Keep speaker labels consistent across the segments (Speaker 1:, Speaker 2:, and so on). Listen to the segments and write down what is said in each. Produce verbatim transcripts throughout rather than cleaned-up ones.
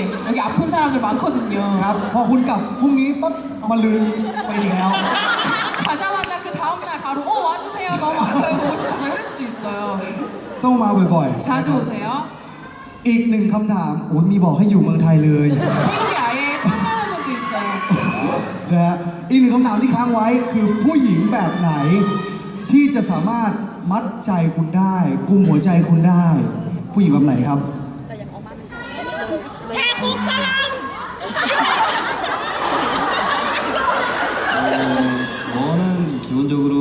Speaker 1: 여기 아픈 사람들 많거든요.
Speaker 2: ครับพอคุณกลับพรุ่งนี้ปั๊บมาลืนไปอีกแล้ว
Speaker 1: 가자마자 그 다음날 바로 어 와주세요 너무 아파요 보고 싶어서 이럴 수도 있어요.
Speaker 2: ต้องมาบ่อย
Speaker 1: 자주 오세요.
Speaker 2: ๆอีกหนึ่งคำถามโอ้ยมีบอกให้อยู่เมืองไทยเลย
Speaker 1: 태국에 아예 살라는 분도 있어요.
Speaker 2: นะฮะอีกหนึ่งคำถามที่ค้างไว้คือผู้หญิงแบบไหน ที่จะสามารถมัดใจคุณได้กุมหัวใจคุณได้ ผู้หญิงแบบไหนครับ
Speaker 3: 저는 기본적으로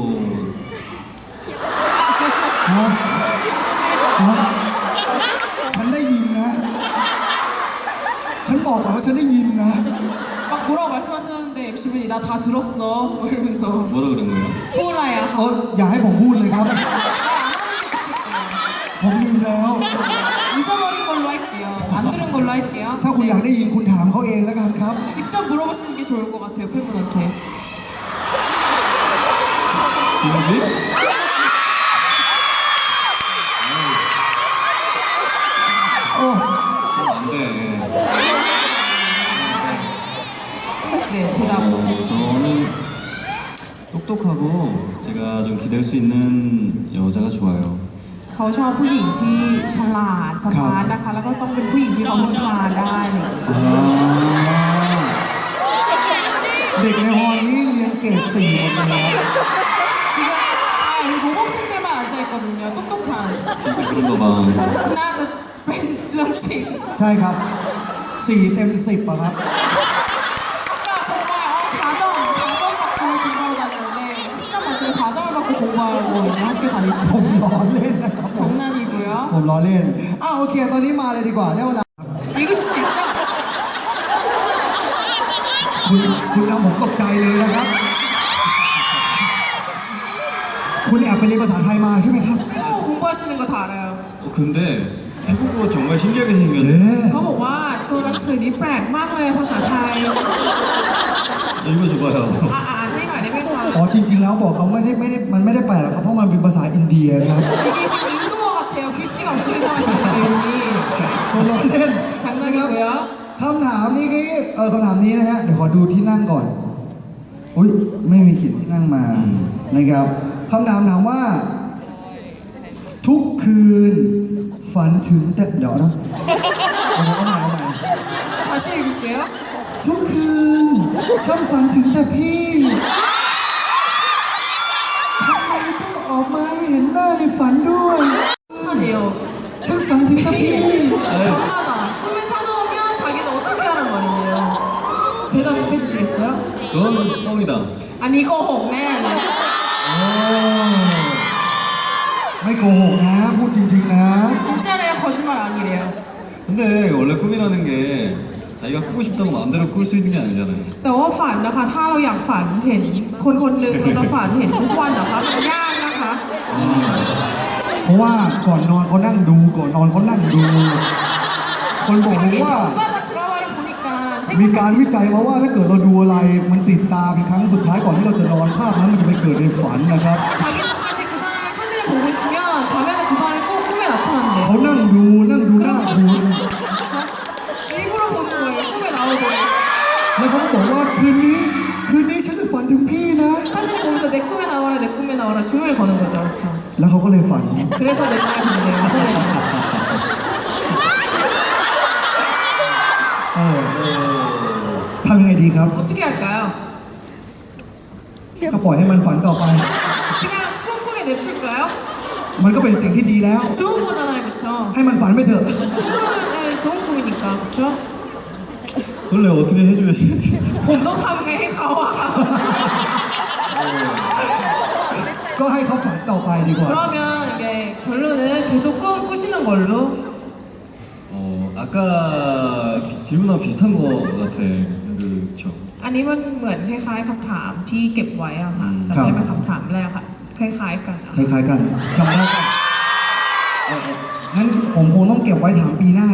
Speaker 2: ฮะฮะฉันได้ยินนะ ฉันบอกก่อนว่าฉันได้ยินนะ
Speaker 1: 막 뭐라고 말씀하셨는데 엠씨분이 나 다 들었어 뭐 이러면서
Speaker 3: 뭐라 그런 거예요?
Speaker 1: 호라야
Speaker 2: เอออย่าให้ผมพูดเลยครับ
Speaker 1: 말 안 하는 게 좋겠대요.
Speaker 2: ผมลืมแล้ว
Speaker 1: 잊어버린 걸로 할게요. 안 들은 걸로 할게요.
Speaker 2: ถ้าคุณอยากได้ยินคุณถามเขาเองแล้วกันครับ
Speaker 1: 직접 물어보시는 게 좋을 것 같아요 팬분한테.
Speaker 3: 기억이?
Speaker 2: 어.
Speaker 3: 그럼 안 돼.
Speaker 1: 네 대답
Speaker 3: 어,
Speaker 1: 해주세요.
Speaker 3: 저는 똑똑하고 제가 좀 기댈 수 있는 여자가 좋아요.
Speaker 1: เขาชอบผู้หญิงที่ฉลาดสมาร์ทนะคะแล้วก็ต้องเป็นผู้หญิงที่เขาพึ่งพาได้เลย
Speaker 2: อ่าเด็กในฮอนี้เรียนเกรดสี่หมดเลยครับ
Speaker 1: 지금 아 우리 모범생들만 앉아있거든요. 똑똑한.
Speaker 3: 진짜 그런가 봐.
Speaker 1: 나도 뺀 런칭.
Speaker 2: ใช่ครับสี่เต็มสิบอะครับ
Speaker 1: 아까 정말 어, 사 점, 사 점 받고 공부하러 다녔는데 십 점 만점에 사 점을 받고 공부하고 이제 학교
Speaker 2: ผม
Speaker 1: 다니시는
Speaker 2: ล้อเล่นนะครับผม
Speaker 1: 장난이고요.
Speaker 2: ผมล้อเล่นอ้าวโอเคตอนนี้มาเลยดีกว่าได้เวลา
Speaker 1: 읽으실 수 있죠?
Speaker 2: คุณคุณทำผมตกใจเลยนะครับ คุณแอบไปเรียนภาษาไทยมาใช่ไหมครับ
Speaker 1: 태국어 공부하시는 거 다 알아요.
Speaker 3: 어, 근데 태국어 정말 신기하게
Speaker 2: เอ๊
Speaker 3: 생겼네.
Speaker 2: ะ
Speaker 1: เขาบอกว่าตัวหนังสือนี้แปลกมากเลยภาษาไทย
Speaker 3: 읽어줘봐요.
Speaker 1: อ่ะอ่านให้หน่อยได้ไหมคะ
Speaker 2: อ๋อจริง ๆ แล้วบอกเขาไม่ได้ไม่ได้มันไม่ได้แปลหรอกครับเพราะมันเป็นภาษาอินเดียครับ
Speaker 1: 이게 지금 인도어 같아요. 글씨가 엄청 이상하시기 때문에
Speaker 2: ผมล้อเล่นนะครับ
Speaker 1: 장난이고요.
Speaker 2: คำถามนี้คือเออคำถามนี้นะฮะเดี๋ยวขอดูที่นั่งก่อนอุ้ยไม่มีเขียนที่นั่งมานะครับคำถามถามว่า ทุกคืนฝันถึงแต่เดี๋ยวนะเอาใหม่เอาใหม่
Speaker 1: 다시 읽을게요.
Speaker 2: ทุกคืนฉันฝันถึงแต่พี่ทำไมต้องออกมาให้เห็นหน้าในฝันด้วย
Speaker 1: 하네요.
Speaker 2: ฉันฝันถึงแต่พี่
Speaker 1: 엄마다. 꿈에 찾아오면 자기는 어떻게 하란 말이네요. 대답해 주시겠어요?
Speaker 3: 그건 뻥이다.
Speaker 1: 아니 이거 혹맨.
Speaker 2: ไม่โกหกนะ พูดจริง ๆ นะ
Speaker 1: 진짜래요? 거짓말 아니래요.
Speaker 3: 근데 원래 꿈이라는 게 자기가 꾸고 싶다고 마음대로 꿀 수 있는 게 아니잖아요.
Speaker 1: แต่ว่าฝันนะคะ ถ้าเราอยากฝันเห็นคนคนหนึ่งเราจะฝันเห็นทุกวันนะคะมันยากนะคะ
Speaker 2: เพราะว่าก่อนนอนเขานั่งดูก่อนนอนเขานั่งดู คนบอกผม
Speaker 1: 자기
Speaker 2: ว่า
Speaker 1: 전반의 드라마를 보니까
Speaker 2: มีการ
Speaker 1: 생각할 수
Speaker 2: วิจัยมาว่าถ้าเกิดเราดูอะไรมันติดตาเป็นครั้งสุดท้ายก่อนที่เราจะนอนภาพนั้นมันจะไปเกิดในฝันนะครับ
Speaker 1: 자기 전까지 그 사람의 사진을 보고 있으면 자면은 그 사람이 꼭 꿈에 나타난대요.
Speaker 2: เขานั่งดูนั่งดูหน้า
Speaker 1: 그런
Speaker 2: คุ
Speaker 1: 거
Speaker 2: ณ
Speaker 1: 진짜 일부러 보는 거예요. 꿈에 나오고
Speaker 2: แล้วเขาก็บอกว่าคืนนี้คืนนี้ฉันจะฝันถึงพี่นะ
Speaker 1: 사진을 보면서 내 꿈에 나와라 내 꿈에 나와라 줄을 거는 거죠. 자,
Speaker 2: แล้วเขาก็เลยฝัน
Speaker 1: 그래서 맨날 본대요. 꿈에서.
Speaker 2: เออทำยังไงดีครับ
Speaker 1: 어떻게 할까요?
Speaker 2: ก็ปล่อยให้มันฝันต่อไป
Speaker 1: 그냥 꿈꾸게 냅둘까요?
Speaker 2: มันก็เป็นสิ่งที่ดีแล้ว
Speaker 1: 좋은 거잖아요, 그쵸?
Speaker 2: ให้มันฝันไปเถอะ
Speaker 1: 꿈꾸면 네, 좋은 꿈이니까, 그쵸?
Speaker 3: 원래 어떻게 해줘야지?
Speaker 1: 본덕하게 해 가와.
Speaker 2: ก็ให้เขาฝันต่อไปดีกว่า
Speaker 1: 그러면 이게 결론은 계속 꿈 꾸시는 걸로.
Speaker 3: 어 아까 비- 질문하고 비슷한 거 같아. 그렇죠.
Speaker 1: อันนี้มันเหมือนคล้ายๆคำถามที่เก็บไว้อะค่ะ
Speaker 3: อืม
Speaker 1: จำได้ไหมคำถามแรกค่ะ คล้ายๆกันอะ
Speaker 2: คล้ายๆกันจำได้กันเออเอองั้นผมคงต้องเก็บไว้ถามปีหน้า